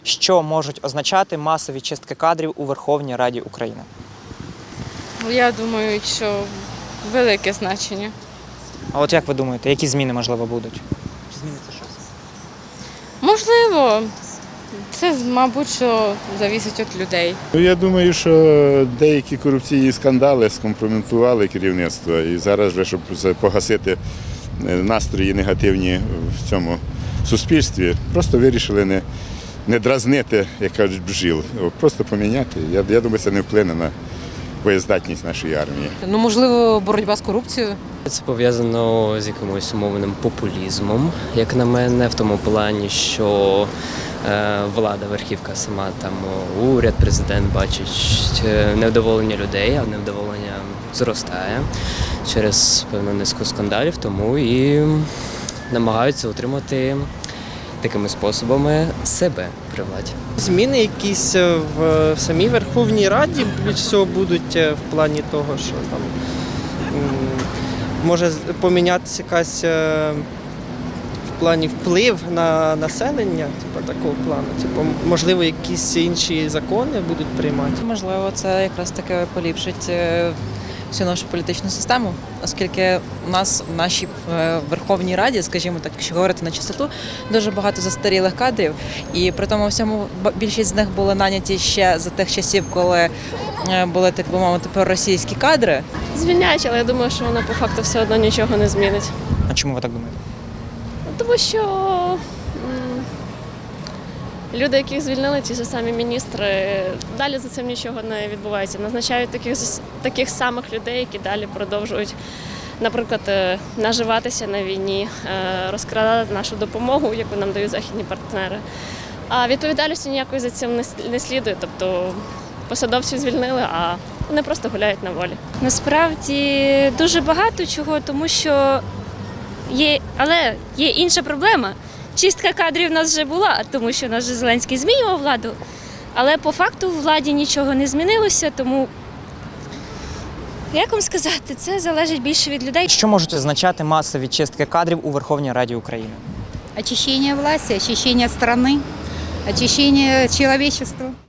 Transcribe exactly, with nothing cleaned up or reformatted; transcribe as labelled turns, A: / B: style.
A: Що можуть означати масові чистки кадрів у Верховній Раді України?
B: Я думаю, що велике значення.
A: А от як ви думаєте, які зміни, можливо, будуть? Чи зміниться щось?
B: Можливо, це, мабуть, що залежить від людей.
C: Ну, я думаю, що деякі корупційні скандали скомпрометували керівництво. І зараз, вже, щоб погасити настрої негативні в цьому суспільстві, просто вирішили не, не дразнити, як кажуть, бджіл, просто поміняти. Я, я думаю, це не вплине на боєздатність нашої армії.
D: Ну, можливо, боротьба з корупцією.
E: Це пов'язано з якимось умовним популізмом, як на мене, в тому плані, що е, влада, верхівка сама, там уряд, президент бачить невдоволення людей, а невдоволення зростає через певну низку скандалів, тому і намагаються утримати такими способами себе при владі.
F: Зміни якісь в самій Верховній Раді більш всього будуть в плані того, що там може помінятися якась в плані вплив на населення, типу такого плану. Типу, можливо, якісь інші закони будуть приймати.
D: Можливо, це якраз таки поліпшить е, всю нашу політичну систему, оскільки у нас в нашій е, Верховній Раді, скажімо так, якщо говорити на чистоту, дуже багато застарілих кадрів, і при тому всьому більшість з них були наняті ще за тих часів, коли е, були, так би мовити, проросійські кадри.
G: Звільняють, але я думаю, що воно по факту все одно нічого не змінить.
A: А чому ви так думаєте?
G: Тому що м, люди, яких звільнили, ті ж самі міністри, далі за цим нічого не відбувається. Назначають таких, таких самих людей, які далі продовжують, наприклад, е, наживатися на війні, е, розкрадати нашу допомогу, яку нам дають західні партнери. А відповідальності ніякої за цим не, не слідує. Тобто посадовців звільнили, а вони просто гуляють на волі.
H: Насправді дуже багато чого, тому що є, але є інша проблема. Чистка кадрів у нас вже була, тому що наш Зеленський змінював владу, але по факту в владі нічого не змінилося, тому, як вам сказати, це залежить більше від людей.
A: Що можуть означати масові чистки кадрів у Верховній Раді України?
I: Очищение власти, очищение страны, очищение человечества.